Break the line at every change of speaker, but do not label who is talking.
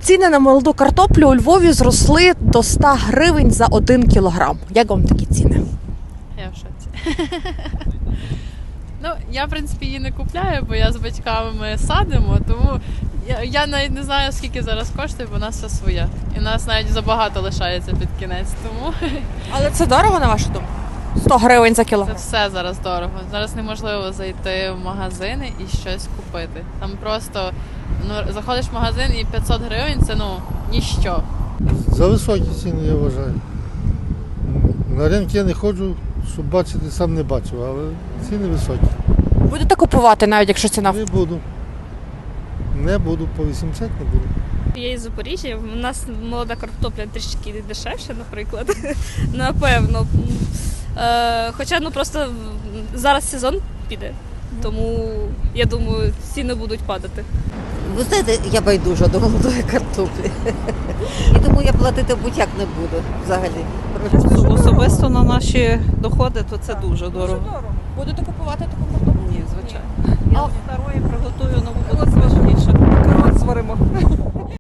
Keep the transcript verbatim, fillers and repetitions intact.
Ціни на молоду картоплю у Львові зросли до ста гривень за один кілограм. Як вам такі ціни?
Я в шоці. Ну, я, в принципі, її не купляю, бо я з батьками садимо, тому я, я навіть не знаю, скільки зараз коштує, бо у нас все своє. І у нас навіть забагато лишається під кінець, тому
Але це дорого, на вашу думку? сто гривень за
це
кілограм.
все зараз дорого. Зараз неможливо зайти в магазини і щось купити. Там просто ну, заходиш в магазин і п'ятсот гривень – це ну ніщо.
За високі ціни, я вважаю. На ринок я не ходжу, щоб бачити, сам не бачив, але ціни високі.
Будете купувати, навіть якщо ціна в
Не буду. Не буду, по вісімдесят не буду.
Я із Запоріжжя, у нас молода картопля трішки дешевша, наприклад. Напевно. Е, хоча ну просто зараз сезон піде, тому я думаю, ціни будуть падати.
Ви знаєте, я байдужа до молодої картоплі. І тому я платити будь-як не буду взагалі.
Особисто на наші доходи, то це дуже дорого.
Будете купувати таку картоплю?
Ні, звичайно.
А